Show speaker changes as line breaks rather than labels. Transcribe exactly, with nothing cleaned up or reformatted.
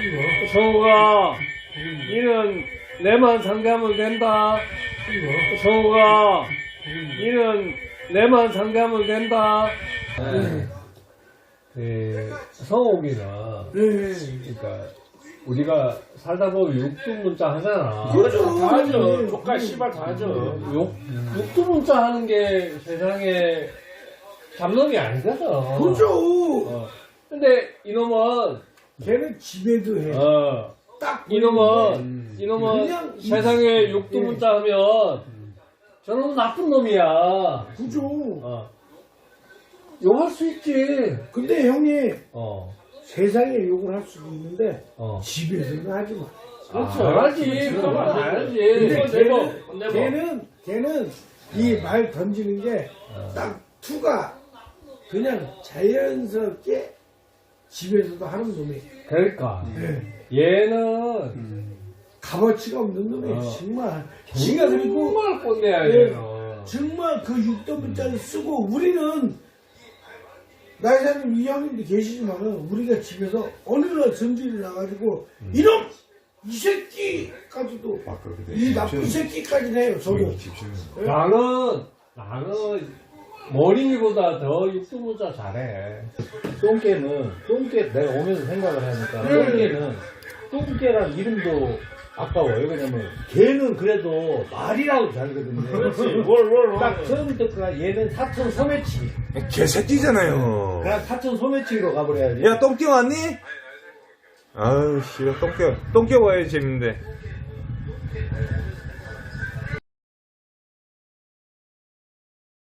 성우가 니는 내만 상대하면 된다. 성우가 니는 내만 상대하면 된다. 네. 그 성욱이는 그러니까 우리가 살다 보면 육두문자 하잖아.
그렇죠.
다 하죠. 조카 씨발 다 하죠.
육, 육두문자 하는 게 세상에 잡놈이 아니거든.
그죠.
어. 근데 이놈은
걔는 집에도 해.
어.
딱
이놈은
보이는데
이놈은
그냥 이-
세상에 육두문자 하면 저놈은 나쁜 놈이야.
그죠.
어. 욕할 수 있지.
근데 형님
어.
세상에 욕을 할 수도 있는데
어.
집에서는 하지 마.
그렇죠.
아,
알지.
그렇지.
그건
그건
알지.
근데
그건 내버,
걔는,
그건 내버.
걔는 걔는 이 말 던지는 게
어.
딱 투가 그냥 자연스럽게 집에서도 하는 놈이
그러니까.
네.
얘는
값어치가 없는 놈이
어.
정말 지가 그리고
정말 꼰대야,
예.
얘는.
정말 그 육도문자를 쓰고 우리는 나이사님 이 형님도 계시지만은 우리가 집에서 어느 날 전주를 나가지고
음.
이놈 이 새끼까지도
아, 그렇게 돼.
이 나쁜 새끼까지는 해요 저도.
나는, 나는 머리보다 더 육두문자 잘해.
똥개는 똥개 내가 오면서 생각을 하니까
네.
똥개는 똥개란 이름도 아까워요. 왜냐면 걔는 그래도 말이라고 잘거든요.
그렇지. 뭘, 뭘, 뭘.
딱 처음부터 얘는 사천 소매치기.
개새끼잖아요.
그냥 사천 소매치기로 가버려야지.
야, 똥개 왔니? 아유, 씨, 똥개, 똥개 와야지 재밌는데.